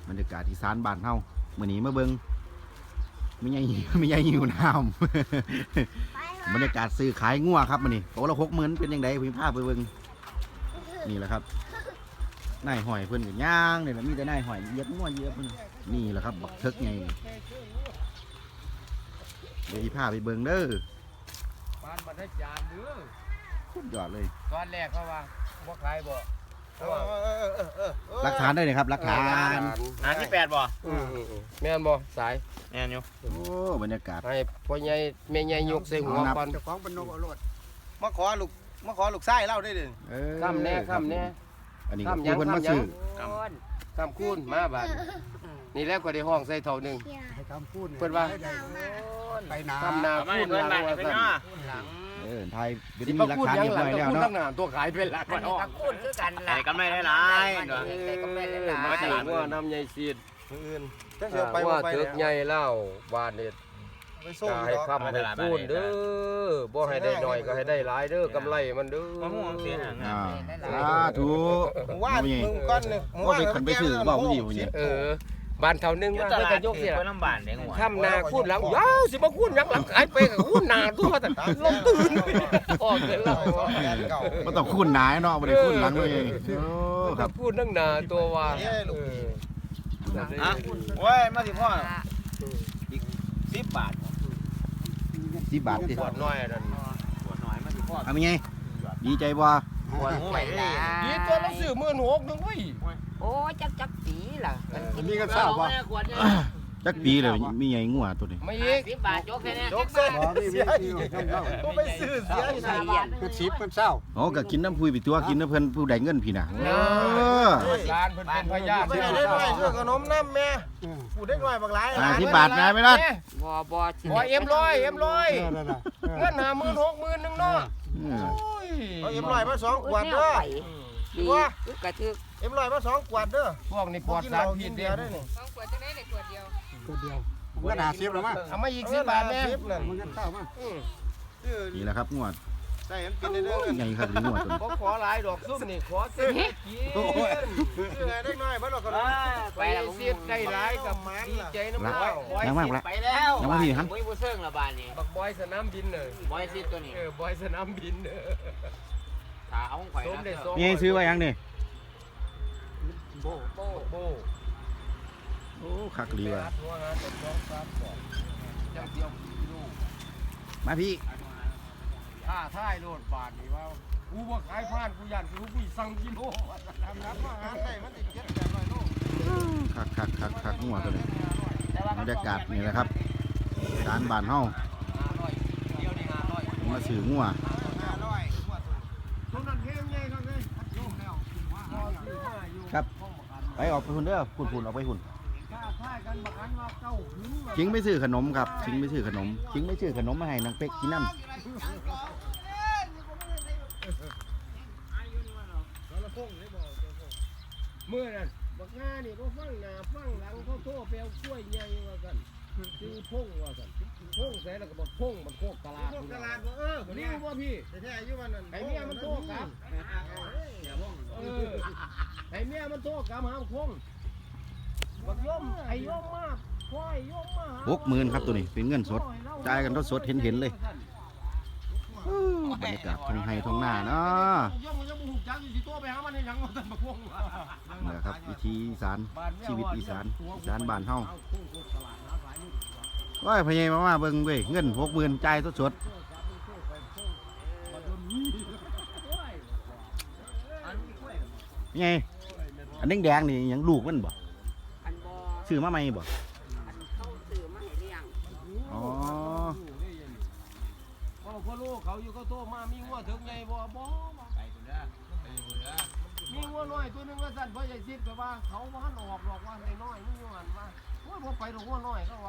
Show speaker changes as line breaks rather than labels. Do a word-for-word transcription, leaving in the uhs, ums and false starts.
บรรยากาศอีสานบ้านเฮามื้อนี้มาเบิ่งไม่ใหญ่ไม่ใหญ่หิวน้ำบรรยากาศซื้อขายงัวครับมื้อนี้โตละหกหมื่นเป็นยังไงพี่พาไปเบิ่งนี่แหละครับนายหอยเพิ่นก็ย่างนี่แหละมีแต่นายหอยเหยียบงัวเหยียบเพิ่นนี่แหละครับบักเทิกไงเดี๋ยวอีพาไปเบิ่งเด้อ
ปานบรรทัดจานเด้อ
สุดยอดเลย
ตอนแรกเขาว่าบ่ขายบ่
หลักฐานได้เลยครับหลักฐาน
หาที่แปดบ่
แม่นบ่สาย
แม่นอยู่
โอ้บรรยากาศ
ให้พ่อใหญ่แม่ใหญ่ยกใส่หัวก่อน
เจ้าของเป็นนกเอารถมาขอลูกมาขอลูกไส้เล่าได้เด้อ
เออ
ข้ามแน่ข้ามแน่
อันนี้ก็
ข้าม
คือเพิ่นมาซื้อ
ข้ามคูณมาบาดนี่แล้วก็ได้ห้องใส่เท่านึง
ให้คำพูด
เพิ่นว่า
ไปนา
ข้ามนา
ไม่
คูณ
เพื่อน
หลั
บ้าง น
ว่า
ไป
ซั่น
เนาะ
เออไทยเป็น
สิ
มี
มา
หลัก
คูณ
ฐาน
ยัง
เรียบ
หลั
ร้
ง
อย
ก็
แล้ว
คูณ
เนาะ
ตั้งหน้าตัวขายเป็นหลัก
อันนี้ก็คูณคือกัน
ไอ้
ล่ะ
กำไรได้หลายเนาะ
ได้กำไรหลาย
มาถึงว่าน้ำใหญ่ซีด
อื่นจังเสียวไป
ว่า
ไป
ถึกใหญ่แล้วบาดนี่
ไปส่ง
ก็ให้คำให้คูณเด้อบ่ให้ได้น้อยก็ให้ได้หลายเด้อกำไรมันเด้อ
มะม่วงเสียหาง
อ่าสาธุ
มึงว่ามึงก้อนนึง
ว่าไปขันไปซื้อบอกมึงอยู่นี่
เออบ้านเท่านึง
อยู่
มา
ต
เพิ่น
ลา
ก็
ด
ยกเสีย
ไปลำบากเด้งหัว
ทำนาคูณหลังยาวสิมาคูณหลังหลังขายไปกับคูณหนาตัวแต่ลงตื่นออกเกินแล้ว
บ่ต้องคุ้นหนายเนาะบ่ได้คุ้นหลังเลยโอ้ค
ค
รั
รั
บบ
พูดนั่งนาตัวว่า
ฮะโอ้ยมาสิพ่ออีกสิบบาท
สิบบาทติ
ปวดน้อยนั่น
ปวดหน่อยมาสิพ่อ
เอาเป็นไงดีใจบ่
ปวดหัว
ไป
เล
ล่ะ
ย
ดีตัวเราซื้อหมื่นหกนึงเว้ย
โอ้จักจักปีล่ะมันกิน
นี่ก็ทราบว่า
จักปีเลยมีใหญ่งัวตัวนี้
ไม่อีก
สิบบาทยกแค่นี้
ยกเส้นเสียอีกก็ไปซื้อเสียอีก
ใส่เย็น
คือชิปมันเศร้า
อ๋อก็กินน้ำพุยไปตัวกินน้ำเพิ่นผู้ใดเงินพี่น่ะเออ
ร้านเพิ่นเป็นพยาน
ไม่ได้ได้ด้วยซื้อขนมน้ำแม่กูได้หน่อยบางหลาย
อ่าสิบบาทนะไม่ล่ะ
บ่บ่สิ
บ่เอ็มร้อยเอ็มร้อย
นั่นน่ะ
เงินหาหมื่นหกหมื่นนึงเนาะ
อืม
โอ้ย
เอาเอ็มลอยมาสองขวด
เด้
เด้
อ
อ
ดีอึกกระทึก
เอ็มลอยมาสองขวดเด้อ
พวกนี้ปลอด
กิน
สา
เห
ร
ล้า
พิ
กิ
ษ
น
เด้
เบียร์ได้นี่
สองขวดจะได้ในขวดเดียว
ขวดเดียวมันก็หาซิบแล้วมั้ง
เอามาอีกสิบบาทแม่
ซิบนั่นมันก็เข้ามั้ง
นี่แหละครับงวด
ใส่มันเป็นเด้อ
ใหญ่ครับงวดตัวนี้
ผมขอหลายดอกซุ่มนี่ขอเต็มกิน
ยังไงได้หน่อยบ่ดอกขนม
ไปเสียดได้หลายกับดีใจน้ำ
ละ
บ่บอย
ยังมากละ
ไปแล้ว
ยังมาพี่ครับ
บ่มีผู้เซิงละบาดนี้
บักบอยสนามบินเลย
บ่ให้ซิตัวนี้
เออบอยสนามบินเออ
ถ้าเอาของข่อย
สมเด็จ
นะ
สม
มีให้ซื้อไว้ยังนี่
โบโบโบ
โอ้คักดีว่ะ
หัวหาต้นสองสามสองจังเดียวกิโล
มาพี่
ท่าท่ายโลดบาทนี่ว่ากูบ่ขายผ่านกูย่านกูกูสั่งกิโล
ทำน้ำอาหารได้มันติดเจ็ดแปดร้อยโล
คักคักคักคักงวดตัวนี้บรรยากาศนี่แหละครับร้านบ้านเฮา
ห้าร้อยเดียวนี่ห้าร้อย
มาซื้องัว
ห้าร้อย
ตรงนั้นเฮงไงครับเนี่ยโยมแล้วรอซื้อมาอยู่
ครับไปออกไปหุ่นเด้อหุ่นหุ่นออกไปหุ่น
ท่าท่ายกันบักอันว่าเก้าหึง
ชิงไม่ซื้อขนมครับชิงไม่ซื้อขนมชิงไม่ซื้อขนมมาให้นางเป็กกินน้ำ
เมื่อนั้นบักงานี่บ่ฟังหน้าฟังหลังเขาโทรไปเอากล้วยใหญ่ว่าซั่นซื้อพงว่าซั่นพงใส่แล้วก็บอกพงมันโคกตลาด
พวกตลาดเออ
นี่ว่าพี่
แต่แท้อายุมันนั่น
ไอ้เมียมันโทรกลับเออไอ้เมียมันโทรกลับหาพงบักย่อมไอ้ย่อมมากควายย่อมมา
หกหมื่นครับตัวนี้เป็นเงินสดจ่ายกันสดๆเห็นเห็นๆเลยอู้บรรยากาศท้องไห้ท้องหน้าเนาะ
ย่อมมันยังบ่ฮู้จักอยู่สิตัวไปหามันให้หยังว่าซั่นบักพง
นี่แหละครับวิธีอีสานชีวิตอีสานอีสานบ้านเฮาว้ายพะเยมามาเบิ่งเว้ยเงินหกหมื่นจ่ายสดๆไงอันแดงๆนี่หยังลูกมันบ่
อันบ่
ซื้อมาใหม่บ่
อันเข้าซื้อมาให้เลี้ยง
อ๋อ
พ่อพ่อลูกเขาอยู่เขาโทรมามีงัวถึงไงบ่บ่ไปคนเด้อไปคนเด้อมีงัวน้อยตัวนึงว่าสั่นพ่อใหญ่ซิดก็ว่าเขาบ่ทันออกหรอกว่าน้อยๆมันอยู่หั่นว่าโอ้ยบ่ไปดอกงัวน้อยก็ว่า